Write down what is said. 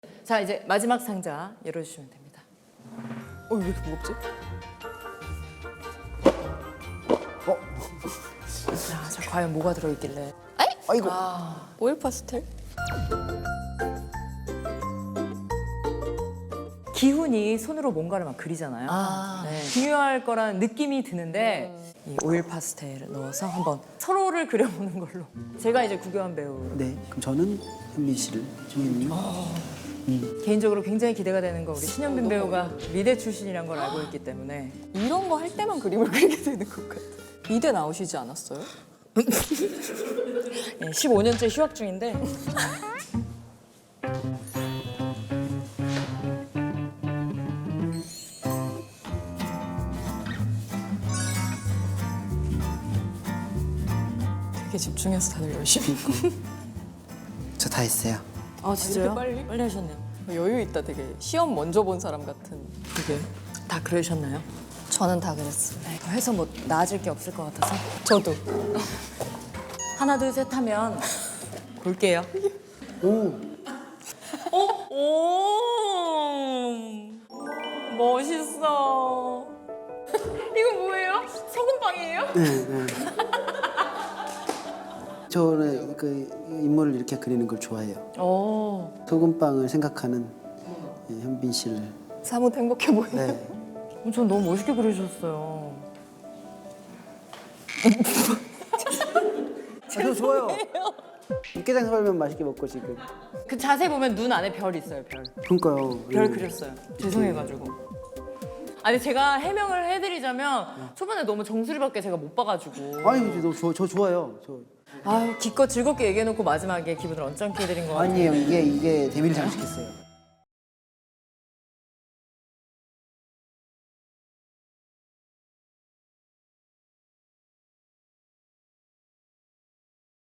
자, 이제 마지막 상자 열어주시면 됩니다. 왜 이렇게 무겁지? 자, 과연 뭐가 들어있길래? 아이고. 오일 파스텔? 기훈이 손으로 뭔가를 막 그리잖아요. 네, 중요할 거란 느낌이 드는데 이 오일 파스텔을 넣어서 한번 서로를 그려보는 걸로. 제가 이제 구교환 배우 네, 그럼 저는 현민 씨를 정해님. 개인적으로 굉장히 기대가 되는 거 우리 신현빈 배우가 미대 출신이란 걸 알고 있기 때문에 이런 거 할 때만 그림을 그리게 되는 것 같아. 미대 나오시지 않았어요? 네, 15년째 휴학 중인데 되게 집중해서 다들 열심히 했고. 저 다 했어요. 아 진짜요? 빨리? 빨리 하셨네요. 여유 있다 되게. 시험 먼저 본 사람 같은. 그게 다 그러셨나요? 저는 다 그랬어요. 네, 더 해서 뭐 나아질 게 없을 것 같아서 저도. 하나 둘 셋 하면 볼게요. 오, 오 멋있어. 이거 뭐예요? 소금빵이에요? 네, 네. 저는 그 인물을 이렇게 그리는 걸 좋아해요. 오. 소금빵을 생각하는 현빈 씨를. 사뭇 행복해 보이네. 네. 전 너무 멋있게 그리셨어요. 저 좋아요. 육개장 썰면 맛있게 먹고 지금. 그 자세히 보면 눈 안에 별 있어요, 별. 그러니까요. 별 그렸어요. 죄송해가지고. 아니 제가 해명을 해드리자면 초반에 너무 정수리밖에 제가 못 봐가지고. 아니, 저 좋아요. 아유 기껏 즐겁게 얘기해놓고 마지막에 기분을 언짢게 해드린 거 같아요. 아니에요. 이게 데뷔를 잘시켰어요.